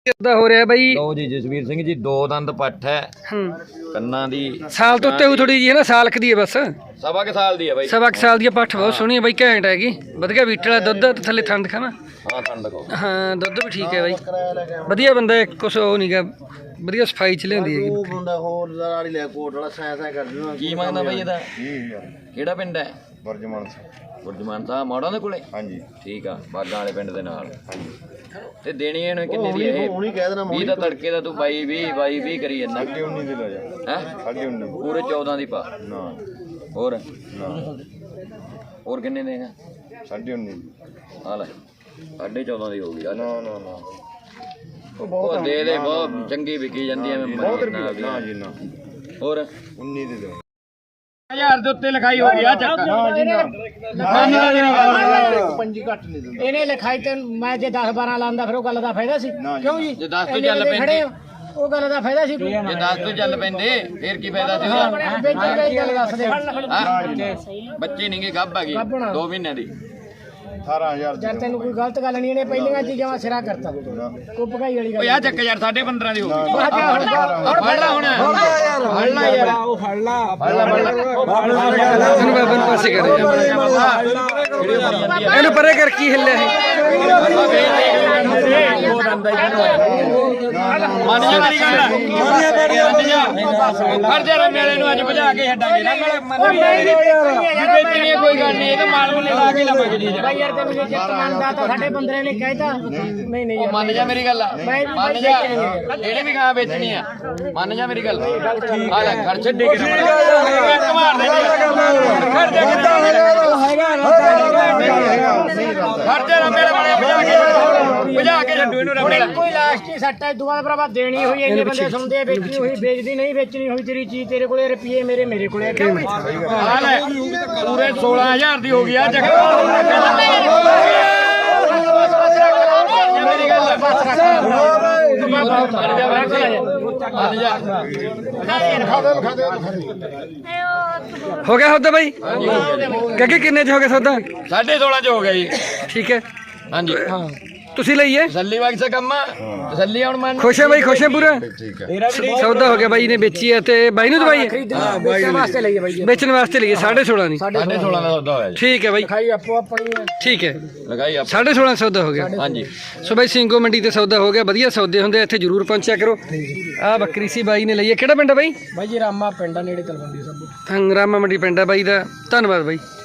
ਕਿੱਦਾਂ ਹੋ ਰਿਹਾ ਬਾਈ? ਲਓ ਜੀ ਜਸਵੀਰ ਸਿੰਘ ਜੀ, 2 ਦੰਦ ਪੱਠ ਹੈ। ਕੰਨਾਂ ਦੀ ਸਾਲ ਤੋਂ ਉੱਤੇ ਥੋੜੀ ਜੀ ਹੈ ਨਾ, ਸਾਲ ਦੀ ਹੈ ਬਸ। ਸਵਾ ਕੁ ਸਾਲ ਦੀ ਹੈ ਬਾਈ। ਸਵਾ ਕੁ ਸਾਲ ਦੀ ਪੱਠ ਬਹੁਤ ਸੋਹਣੀ ਹੈ ਬਾਈ, ਘੈਂਟ ਹੈਗੀ, ਵਧੀਆ ਵੀਟ ਵਾਲਾ ਦੁੱਧ ਤੇ ਥੱਲੇ ਥਣ ਦਿਖਾਵਾਂ। ਹਾਂ ਥਣ ਦਿਖਾਓ। ਹਾਂ ਦੁੱਧ ਵੀ ਠੀਕ ਹੈ ਬਾਈ, ਵਧੀਆ ਬੰਦਾ, ਕੁਛ ਉਹ ਨਹੀਂ ਗਾ, ਵਧੀਆ ਸਫਾਈ ਚ ਲਿਆਂਦੀ ਹੈਗੀ। ਉਹ ਬੰਦਾ ਹੋਰ ਲਾੜੀ ਲੈ ਕੋਟ ਵਾਲਾ ਸੈਂ ਕਰ ਦਿੰਦਾ। ਕੀ ਮੰਗਦਾ ਬਾਈ ਇਹਦਾ? 20000 ਕਿਹੜਾ ਪਿੰਡ ਹੈ? ਵਰਜਮਾਨ ਗੁਰਜਮਾਨ ਸਾਹਿਬ ਮੋੜਾਂ ਦੇ ਕੋਲੇ। ਹਾਂਜੀ ਠੀਕ ਆ, ਬਾਗਾਂ ਵਾਲੇ ਪਿੰਡ ਦੇ ਨਾਲ। ਹਾਂਜੀ ਤੇ ਦੇਣੀ ਇਹਨੂੰ ਕਿੰਨੇ ਦੀ ਹੈ? ਹੁਣੀ ਕਹਿ ਦੇਣਾ 20 ਦਾ ਤੜਕੇ ਦਾ ਤੂੰ 22 ਕਰੀ ਜਾਂਦਾ। 19 ਦੀ ਲੈ ਜਾ। ਹੈ 19.5 ਪੂਰੇ 14 ਦੀ ਪਾ। ਨਾ ਹੋਰ ਨਾ ਹੋਰ ਕਿੰਨੇ ਦੇਗਾ? 19.5 ਆ ਲੈ 14.5 ਦੀ ਹੋ ਗਈ। ਨਾ ਨਾ ਨਾ ਉਹ ਉਹ ਬਹੁਤ ਦੇ ਦੇ, ਬਹੁਤ ਚੰਗੀ ਵਿਕੀ ਜਾਂਦੀ ਐ। ਬਹੁਤ ਰੁਪਏ ਨਾ ਜੀ ਨਾ। ਹੋਰ 19 ਦੇ ਦੇ 1000 ਦੇ ਉੱਤੇ ਲਿਖਾਈ ਹੋ ਗਈ ਆ ਚੱਕ। ਨਾ ਜੀ ਨਾ ਪੰਜੀ ਘੱਟ ਨਹੀਂ ਦਿੰਦਾ ਇਹਨੇ ਲਿਖਾਈ ਤੇ ਮੈਂ ਜੇ 10 12 ਲਾਂਦਾ ਫਿਰ ਉਹ ਗੱਲ ਦਾ ਫਾਇਦਾ ਸੀ ਕਿਉਂ ਜੀ? ਜੇ 10 ਤੋਂ ਚੱਲ ਪੈਂਦੇ, ਉਹ ਗੱਲ ਦਾ ਫਾਇਦਾ ਸੀ ਕੋਈ? ਜੇ 10 ਤੋਂ ਚੱਲ ਪੈਂਦੇ ਫੇਰ ਕੀ ਫਾਇਦਾ ਸੀ? ਵੇਚਣ ਦੀ ਗੱਲ ਦੱਸ ਦੇ। ਬੱਚੇ ਨਹੀਂਗੇ, ਗੱਭ ਹੈਗੀ 2 ਮਹੀਨਿਆਂ ਦੀ। 18000 ਜਦ ਤੈਨੂੰ ਕੋਈ ਗਲਤ ਗੱਲ ਨਹੀਂ, ਇਹਨੇ ਪਹਿਲੀਆਂ ਚੀਜ਼ਾਂ ਵਾ ਸਿਰਾ ਕਰਤਾ ਕੋਈ ਭਗਾਈ ਵਾਲੀ ਓ ਗੱਲ। ਯਾਰ ਚੱਕ ਯਾਰ 15.5 ਦੀ ਹੋ ਗਈ। ਹੁਣ ਫੜ ਲੈ ਹੁਣ, ਫੜ ਲੈ ਯਾਰ, ਫੜ ਲੈ ਇਹਨੂੰ ਬਾਬਾ ਨੂੰ ਪਾਸੇ ਕਰੇ, ਇਹਨੂੰ ਪਰੇ ਕਰ, ਕੀ ਹਿੱਲਿਆ ਮੰਨ ਜਾ ਮੇਰੀ ਗੱਲ। ਫੜ ਜਾ ਮੇਲੇ ਨੂੰ ਅੱਜ ਭਜਾ ਕੇ ਛੱਡਾਂਗੇ ਨਾ। ਵੇਚਣੀ ਕੋਈ ਗੱਲ ਨਹੀਂ, ਇਹ ਤਾਂ ਮਾਲ ਮੁੱਲੇ ਲਾ ਕੇ ਲਵਾਂਗੇ ਜੀ। ਬਾਈ ਯਾਰ ਤੈਨੂੰ ਜੇ ਚਿੱਤ ਮੰਨਦਾ ਤਾਂ ਸਾਡੇ ਬੰਦਰੇ ਨੇ ਕਹਿਤਾ ਨਹੀਂ ਨਹੀਂ ਉਹ ਮੰਨ ਜਾ ਮੇਰੀ ਗੱਲ, ਮੰਨ ਜਾ, ਇਹਨੇ ਵੀ ਗਾਂ ਵੇਚਣੀ ਆ, ਮੰਨ ਜਾ ਮੇਰੀ ਗੱਲ। ਆ ਲੈ ਖਰਚ ਛੱਡੇ ਕੇ ਮਾਰ ਦੇ ਖਰਚੇ ਨਾ ਮੇਰੇ ਵਾਲੇ ਭਜਾ ਕੇ ਛੱਡੂ ਇਹਨੂੰ ਰੱਬੇ। ਕੋਈ ਲਾਸਟ ਹੀ ਸੱਟ ਹੈ, ਦੁਆ ਭਰਾਵਾ ਦੇਣੀ ਹੋਈ ਇੰਨੇ ਬੰਦੇ ਸੁਣਦੇ ਆ, ਵੇਚਣੀ ਹੋਈ ਵੇਚਦੀ ਨਹੀਂ, ਵੇਚਣੀ ਹੋਈ ਤੇਰੀ ਚੀਜ਼ ਤੇਰੇ ਕੋਲੇ, ਰੁਪਏ ਮੇਰੇ ਕੋਲੇ। ਕਿਉਂ ਆ ਲੈ ਪੂਰੇ 16000 ਦੀ ਹੋ ਗਈ ਆ ਚੱਕ। ਮੇਰੀ ਗੱਲ ਹੋ ਗਿਆ ਸੌਦਾ ਬਾਈ? ਗੱਗੇ ਕਿੰਨੇ ਚ ਹੋ ਗਿਆ ਸੌਦਾ? 16.5 ਚ ਹੋ ਗਿਆ ਜੀ। ਠੀਕ ਹੈ, ਹਾਂਜੀ ਤੁਸੀਂ ਲਈਏ ਤਸੱਲੀ ਵਾਂਗ ਕੰਮ ਆ, ਤਸੱਲੀ ਹੁਣ ਮੰਨ। ਖੁਸ਼ ਹੈ ਬਾਈ? ਖੁਸ਼ ਹੈ ਪੂਰਾ? ਠੀਕ ਹੈ ਸੌਦਾ ਹੋ ਗਿਆ, ਬਾਈ ਨੇ ਵੇਚੀ ਹੈ ਤੇ ਬਾਈ ਨੂੰ ਦਵਾਈ ਹੈ, ਵੇਚਣ ਵਾਸਤੇ ਲਈਏ ਬਾਈ, ਵੇਚਣ ਵਾਸਤੇ ਲਈਏ। 16.5 ਦੀ। 16.5 ਦਾ ਸੌਦਾ ਹੋਇਆ ਜੀ। ਠੀਕ ਹੈ ਬਾਈ, ਖਾਈ ਆਪੋ ਆਪਣੀ ਹੈ। ਠੀਕ ਹੈ, ਲਗਾਈ ਆਪ। 16.5 ਸੌਦਾ ਹੋ ਗਿਆ। ਹਾਂਜੀ ਸੋ ਬਾਈ ਸਿੰਘੋ ਮੰਡੀ ਤੇ ਸੌਦਾ ਹੋ ਗਿਆ, ਵਧੀਆ ਸੌਦੇ ਹੁੰਦੇ ਇੱਥੇ, ਜਰੂਰ ਪਹੁੰਚਿਆ ਕਰੋ। ਆਹ ਬੱਕਰੀ ਸੀ ਬਾਈ ਨੇ ਲਈ ਹੈ, ਕਿਹੜਾ ਪਿੰਡ ਹੈ ਬਾਈ? ਬਾਈ ਜੀ ਰਾਮਾ ਪਿੰਡ ਆ ਨੇੜੇ ਤਲਵੰਡੀ ਸਭ। ਰਾਮਾ ਮੰਡੀ ਪਿੰਡ ਹੈ ਬਾਈ ਦਾ। ਧੰਨਵਾਦ ਬਾਈ।